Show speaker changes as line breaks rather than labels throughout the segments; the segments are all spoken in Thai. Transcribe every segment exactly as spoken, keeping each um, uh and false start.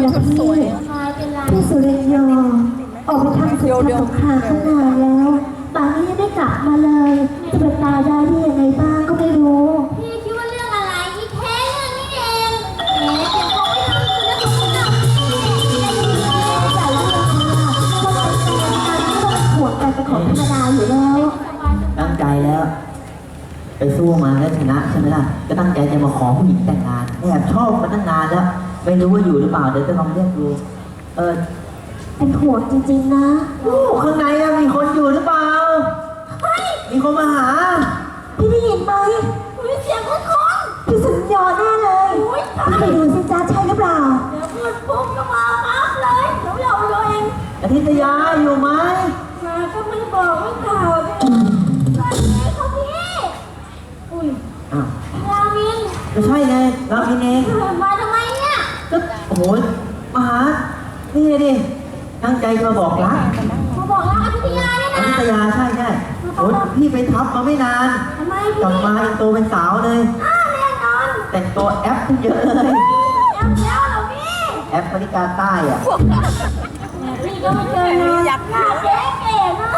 นะพี่พี่สุริยอออกไปทำศึกทำสงครามตั้งนานแล้วป่านนี้ยังไม่กลับมาเลยจะเป็นตายได้ที่ยังไงบ้างก็ไม่รู้
พี่คิดว่าเรื่องอะไรอีแค่เรื่องนี้เองแหมเดี๋ยวเขาไม่ทำเรื่องของเรา
ใหญ่เรื่องนี้ก็เป็นการที่ต้องห่วงกันเป็นของธรรมดาอยู่แล้ว
ตั้งใจแล้วไปสู้มาแล้วชนะใช่ไหมล่ะก็ตั้งใจจะมาขอผู้หญิงแต่งงานแอบชอบมาตั้งนานแล้วไม่รู้ว่าอยู่หรือเปล่าเดี๋ยวจะลองเรียกดูเออ
เป็นห่วงจริงๆนะ
โอ้ข้างในมีคนอยู่หรือเปล่ามีคนมาหา
พี่ได้ยินไหม
มีเสียงคนคน
พี่สุริยอแน่เลยไปดูสิจ้าใช่หรือเปล่า
เดี๋ยวพูดปุ๊บก็มาปั๊บเลยเดี๋ยวเราเราเอง
อาทิตยาอยู่ไหม
มาก็ไม่บอกไม่กล่าวเลยสวัสดีค่ะพี่อุ้ย
อ้าว
รามิน
ไม่ใช่ไงรามินเอง
มาทำไมเนี่ย
ก็โอ้โหมาหานี่ดิตั้งใจมาบอกรัก
มาบอกรักอาทิตยาเนี่ยนะ
อาทิตยาใช่ใช่โอ้พี่ไปทับมาไม่นาน
ทำไม
กลับมาเป็นตัวเป็นสาวเลย
อ้าวแน่นอน
แต่งตัวแอปเยอะเลย
แอปแล้วเหรอพี่
แอปบริการใต้อ่ะ
พี่ก็ไม่เคยนะอยากหน้าเจ๊เก๋นะ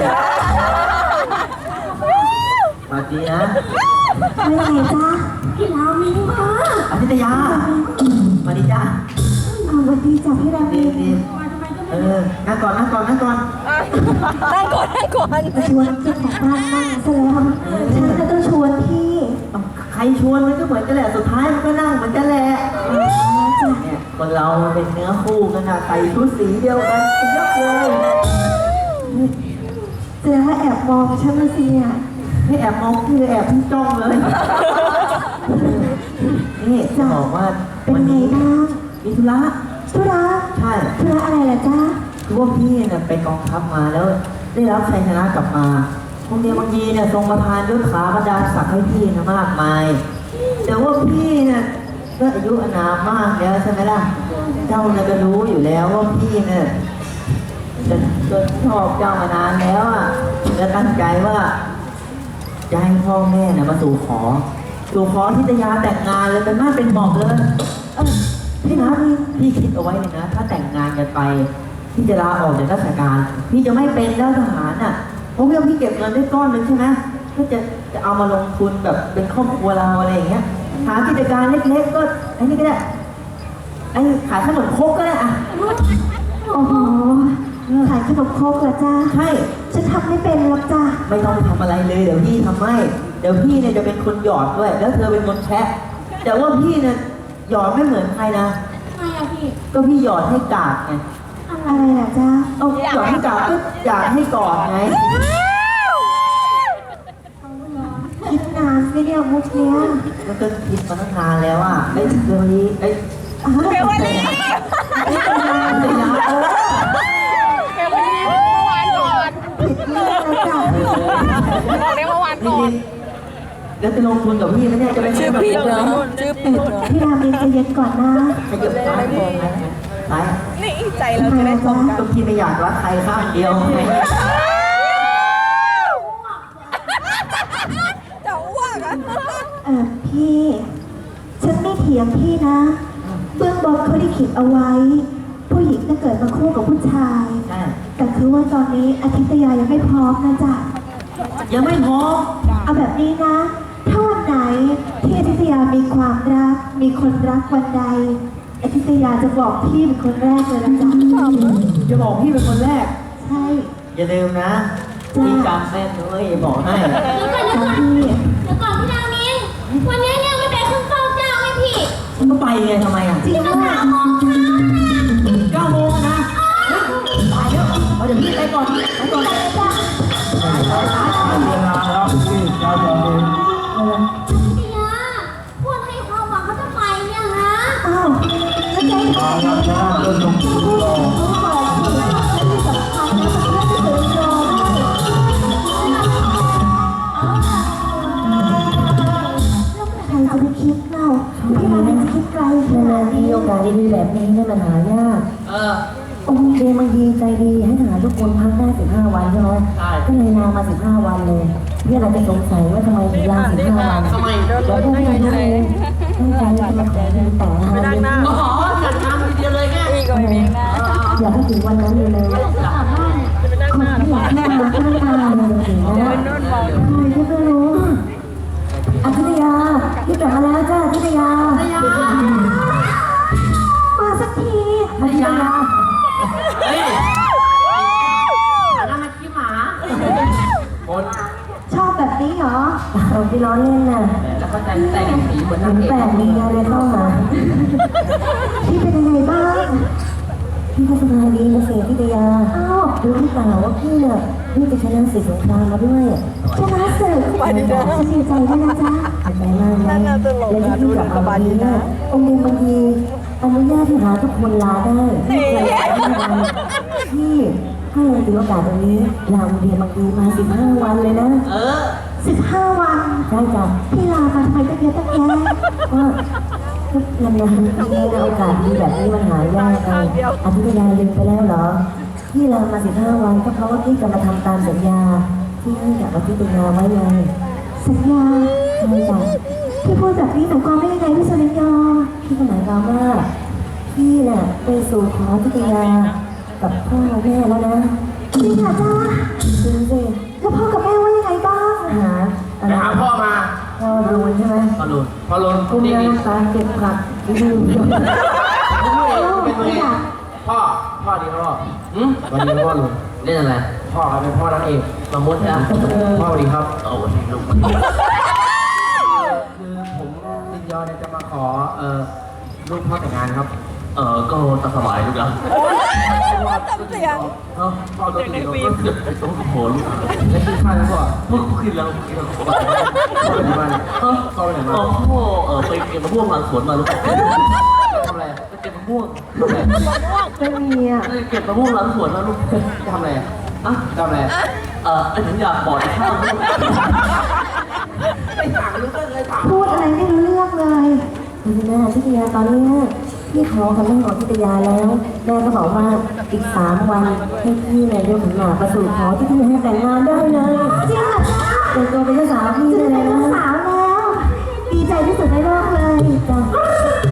มาดีนะ
ไม่ไหวจ้า
พี่รามินมา
อาทิตยามาดีจ้า
เอาวันดีจ้าพี่รามิน
เออนั่งก่อนนั่งก่อนนั่งก่อน
นั่งก่อนนั่งก่อน
ชวนเจ้าของบ้านนั่งซะแล้วฉันก็ต้องชวนพี่
ใครชวนมันก็เหมือนกันแหละสุดท้ายมันก็นั่งเหมือนกันแหละเนี่ยคนเราเป็นเนื้อคู่กันนะใส่ชุดสีเดียวกันเป็นยักษ์เลย
แสดงว่าแอบมองฉันมาสิเนี่ย
ไม่แอบมองคือแอบที่จ้องเลยนี่จะบอกว่า
เป็นไงบ้าง
มีธุระ
ธุระ
ใช่
ธุระอะไรล่ะจ๊ะ
คือว่าพี่เนี่ยไปกองทัพมาแล้วได้รับชัยชนะกลับมาพวกเนี้ยบางทีเนี่ยทรงประทานยศขาบรรดาศักดิ์ให้พี่นะมากมายแต่ว่าพี่เนี่ยก็อายุอานามมากแล้วใช่ไหมล่ะเจ้าเนี่ยก็รู้อยู่แล้วว่าพี่เนี่ยจะจะชอบเจ้ามานานแล้วอ่ะจะตั้งใจว่าจะให้พ่อแม่เนี่ยมาสู่ขอสู่ขอทิตยาแต่งงานเลยเป็นมาเป็นหมอกเลยเออพี่นะพี่พี่คิดเอาไว้เลยนะถ้าแต่งงานกันไปพี่จะลาออกจากราชการพี่จะไม่เป็นแล้วทหารอ่ะเพราะว่าพี่เก็บเงินได้ก้อนหนึ่งใช่ไหมก็จะจะเอามาลงทุนแบบเป็นครอบครัวเราอะไรอย่างเงี้ยหากิจการเล็กๆก็ไอ้นี่ก็ได้ไอ้ขายขนมครกก็ได้อ่ะ
โอ้โหขายขนมครกเหรอจ้า
ใช่
ฉันทำไม่เป็นหรอกจ้า
ไม่ต้องทำอะไรเลยเดี๋ยวพี่ทำให้เดี๋ยวพี่เนี่ยจะเป็นคนหยอดด้วยแล้วเธอเป็นคนแคะแต่ว่าพี่เนี่ยหยอดไม่เหมือนใครนะ
ทำไมอะพี่
ก็พี่หยอดให้กาดไง
อะไรล่ะจ้า
เอาหยอดให้กาดก็อยากให้กอดไง
คิดนานไม่เนี่ยมุกเนี้ย
มันก็คิดมาตั้งนานแล้วอ่ะไอ้เรื่องนี้ไอ้
เบลวันนี้เบลวันนี้เมื่อวานก่อนบอกได้เมื่อวานก่อน
แล้วจะลงทุนกับพี่ไหมเนี่ยจะไป
ชื่อผิดเหรอชื่อผิดเหรอ
พี่รามินใจเย็นก่อนนะ
ขยับซ้ายก่อนนะซ้าย
นี่ใจเราจะได้ตรงกัน
ก็พี่ไม่อยากรักใครข้างเดียวไง
จะอ้วกอ่ะ
เออพี่ฉันไม่เถียงพี่นะเบื้องบนเขาได้ขีดเอาไว้ผู้หญิงจะเกิดมาคู่กับผู้ชายแต่คือว่าตอนนี้อาทิตยายังไม่พร้อมนะจ๊ะ
ยังไม่พร้อม
เอาแบบนี้นะถ้าวันไหนที่อาทิตยามีความรักมีคนรักวันใดอาทิตยาจะบอกพี่เป็นคนแรกเลยนะจ๊ะ
จะบอกพี่เป็นคนแรก
ใช่
อย่าลืมนะพี่จำแม่นด้วยบอกให้
เดี๋ยวก่อนเดี๋ยวก่อนเดี๋ยวก่อนพี่รามินวันนี้เนี่ยไม่ไปขึ้นเฝ้าเจ้าไหมพี่
ก็ไปไงทำไมอ่ะ
จริงก็สามโมงเช้า
เก้าโมงนะตายแล้วเอาเดี๋ยวพี่ไปก่อนไปก่อนไปจ้ะเวลาแล้วพี่เก้าโมง
พี่ยาพูดให้ความหวังเขาจะไปเนี่ยฮะ
อ้าวแล้วใจขอ
แล้วจะเริ่มลงทุนต่อ
ใครจะไปคิดเล่าพี่รามินคิดไกลขนาดนี้
โอกาสดีๆแบบนี้เนี่ยมันหายาก
เออ
โอเคบางทีใจดีให้ทหารทุกคนพักได้สิบห้าวันใช่ไหมก็เลยลามาสิบห้าวันเลยเพื่อนอาจจะสงสัยว่าทำไมถึงลาสิบห้าวันแล้วพวกนี้รู้ตั้งใจจะมาขอแต่งงาน
อ๋อจัดงานทีเดียวเลยไง
อยากให้ถึงวันนั้นเลยเลยคนที่อยากให้มาก็ไม่มาเลยจริงๆนะใครที่ไม่รู้อาทิตยาพี่กลับมาแล้วจ้าอาทิตยา
มาสักที
อาทิตยา
เฮ้ยอันนั้นมันขี้หมาคน
ชอบแบบนี้เหรอ
เราไปล้อเล่นน่ะ
แล้วก็แต่งแต่งสีเหมือน
ห
นา
นั
ง
ง
เอก
แปดมีอะไรเข้ามา
พี่เป็นยังไงบ้าง
พี่ก็สบายดีนะเสียอาทิตยา
อ้าว
รู้หรือเปล่าว่าพี่เนี่ยพี่ไปชนะศึกสงครามมาด้วย
ชนะศึกฉันดีใจด้วยนะจ๊ะ
ขอบใจมากนะและที่พี่กลับมาวันนี้นะองค์เดชบางทีอนุญาตให้หาทุกคนลาได้ไม่เคยขอให้วันพี่ให้เลยถือโอกาสตรงนี้ลาองค์เดชบางทีมาสิบห้าวันเลยนะ
เออ
สิบห้าวัน
ใช่จ้ะ
พี่ลามาทำไมตั้งเยอะตั้งแยะ
ก็นานๆทีนะโอกาสดีแบบนี้มันหายากไงอธิยาลืมไปแล้วเหรอพี่ลามาสิบห้าวันก็เพราะว่าพี่จะมาทำตามสัญญาที่ให้กับอธิยาไว้ไง
สัญญา
ใช่จ้ะ
พี่พูดแบบนี้หนูก็ไม่ยังไงพี่สุริยา
พี่ก็หมายความว่าพี่น่ะไปสู่ขออธิยากับพ่อแม่แล้วนะ
จริงเหรอจ๊ะ
จริงสิ
แล้วพ่อกับแม่ว่ายังไงบ้าง
หาอะ
ไป
ไร
หาพ่อมา
พ่อรูนใช่ไหม
พ่อลุนพ่อลุน
กุ้ง
นี่
ย่าง
นี่
น้ำตาลเก็บผักที่ดู
เป็นไงพ่อ พ่อดีพ่ออืมวันนี้พ่อลุนเล่นอะไร พ่อครับเป็นพ่อนางเอกสมมตินะพ่อสวัสดีครับเออสวัสดีลูกคือผมลินยอเนี่ยจะมาขอเอ่อลูกพ่อแต่งงานครับ เออก็ตามสบายลูกนะเนาะพ่อตัวติดเราก็เกือบไปต้องโผล่ลูกแล้วกินข้าวแล้วพ่อพ่อกินแล้วกินแล้วพ่อไปไหนมาเนี่ยเออพ่อไปไหนมาพ่อเออไปเก็บมะม่วงหลังสวนมาลูกทำอะไรไปเก็บมะม่วงทำอะไร
ไม่มีอ่ะ
เก็บมะม่วงหลังสวนมาลูกทำอะไรอ่ะทำอะไรเออไอ้ถึงอยากบอกไอ้ข้าวลูกไอ้ถามลูกเลยถาม
พูดอะไรไม่รู้เรื่องเลย
คุณแม่ทิตยาตอนนี้พี่ขอกับแม่ของทิตยาแล้ว แม่ก็บอกว่าอีกสามวันให้พี่เนี่ยยกขันหมากประสูติขอที่พี่ให้แต่งงานได้เลย
จริงเหรอจ๊ะ
เป็นตัวเป็นเจ้าสาวพี่
จะ
ได้
ได้
เล
เป็
ย
น
นะ
สาวแล้ว ดีใจที่สุดในโลกเลย
จ้ะ